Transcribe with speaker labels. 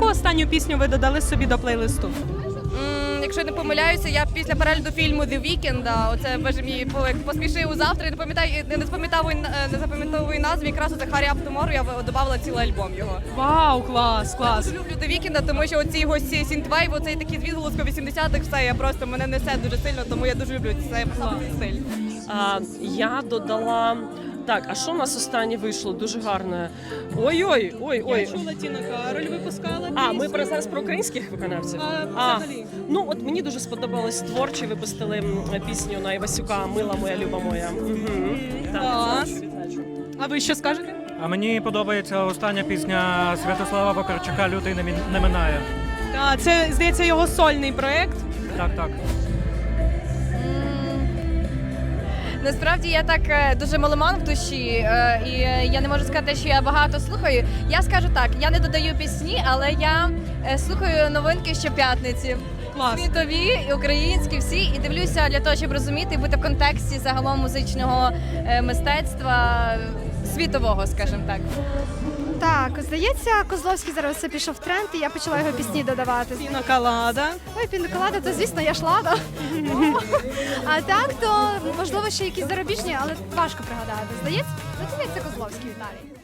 Speaker 1: останню пісню ви додали собі до плейлисту?
Speaker 2: Якщо не помиляюся, я після перегляду фільму «The Weeknd», оце боже мій посмішив завтра, і не запам'ятовую назві, якраз оце «Hurry Up Tomorrow», я додавала цілий альбом його.
Speaker 1: Вау, клас, клас.
Speaker 2: Я дуже люблю «The Weeknd», тому що оці його сінтвейв, оцей такий відголоску 80-х, все, мене несе дуже сильно, тому я дуже люблю цей стиль.
Speaker 3: Я додала... Так, а що у нас останнє вийшло? Дуже гарне. Ой-ой.
Speaker 1: Я чула, Тіна Кароль випускала пісню.
Speaker 3: Ми зараз про українських виконавців?
Speaker 1: Взагалі.
Speaker 3: Ну, от мені дуже сподобалось творчі, випустили пісню на Івасюка «Мила моя, люба моя».
Speaker 1: Клас. А ви що скажете?
Speaker 4: А мені подобається остання пісня Святослава Вакарчука «Лютий не минає».
Speaker 1: Так, це, здається, його сольний проєкт.
Speaker 4: Так.
Speaker 2: Насправді я так дуже меломан в душі, і я не можу сказати, що я багато слухаю. Я скажу так, я не додаю пісні, але я слухаю новинки щоп'ятниці.
Speaker 1: Клас.
Speaker 2: Світові, і українські всі, і дивлюся для того, щоб розуміти і бути в контексті загалом музичного мистецтва світового, скажімо так.
Speaker 5: Так, здається, Козловський зараз все пішов в тренд, і я почала його пісні додавати.
Speaker 1: Піна Колада.
Speaker 5: Ой, піноколада, то звісно, я шлада. А так, то можливо ще якісь зарубіжні, але важко пригадати. Здається, Козловський, Віталій.